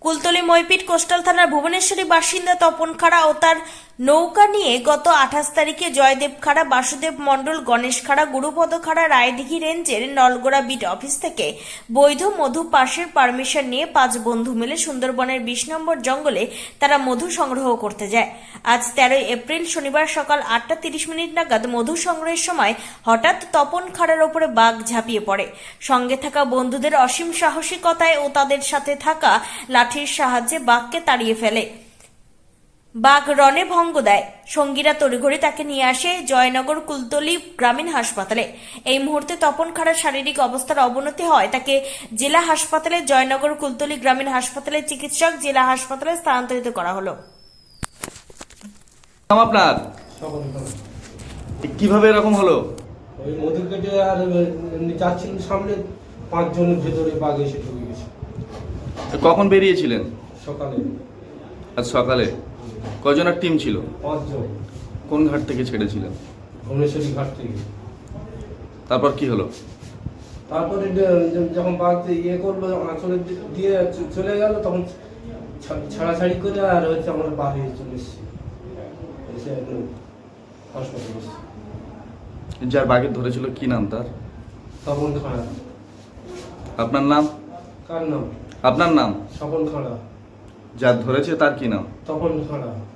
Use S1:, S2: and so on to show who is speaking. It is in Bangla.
S1: কুলতলি মইপিট কোস্টাল থানার ভুবনেশ্বরী বাসিন্দা তপন খাড়া ও তার নৌকা নিয়ে গত 28 তারিখে জয়দেব খাড়া, বাসুদেব মণ্ডল, গণেশ খাড়া, গুরুপদ খাড়া রায়দিঘি রেঞ্জের নলগোড়া বিট অফিস থেকে বৈধ মধু পাশের পারমিশন নিয়ে 5 বন্ধু মিলে সুন্দরবনের 20 নম্বর জঙ্গলে তারা মধু সংগ্রহ করতে যায়। আজ 13 এপ্রিল শনিবার সকাল 8:30 নাগাদ মধু সংগ্রহের সময় হঠাৎ তপন খাড়ার ওপরে বাঘ ঝাঁপিয়ে পড়ে। সঙ্গে থাকা বন্ধুদের অসীম সাহসিকতায় ও তাদের সাথে থাকা লাঠির সাহায্যে বাঘকে তাড়িয়ে ফেলে। বাঘ রণে ভঙ্গ দেয়। সঙ্গীরা তড়িঘড়ি তাকে নিয়ে আসে জয়নগর কুলতলি গ্রামীণ হাসপাতালে। এই মুহূর্তে তপন খাড়ার শারীরিক অবস্থার অবনতি হয় তাকে জেলা হাসপাতালে, জয়নগর কুলতলি গ্রামীণ হাসপাতালে চিকিৎসক জেলা হাসপাতালে স্থানান্তরিত করা হলো।
S2: আপনার কিভাবে এরকম হলো?
S3: ওই মধু কেটে আর এমনি যাচ্ছিল সামনে, 5 জনের ভেতরে বাঘ এসে ঢুকে গেছে।
S2: কখন বেরিয়েছিলেন?
S3: সকালে।
S2: আজ সকালে কজনের টিম ছিল?
S3: 5 জন।
S2: কোন ঘাট থেকে ছেড়েছিলেন?
S3: ভুবনেশ্বরী ঘাট থেকে।
S2: তারপর কি হলো?
S3: তারপরে যখন বাঘ ইয়ে করলো, আঁচলে দিয়ে চলে গেল, তখন ছাড়াছাড়ি করে আর হচ্ছে আমরা বাড়ি চলে এসেছি, এসে একদম হাসপাতালে এসেছি।
S2: যার বাঘে ধরেছিল কি নাম তার?
S3: তপন খাড়া।
S2: আপনার নাম?
S3: কার নাম?
S2: আপনার নাম?
S3: স্বপন খাড়া।
S2: যার ধরেছে তার কি নাম?
S3: তপন খাড়া।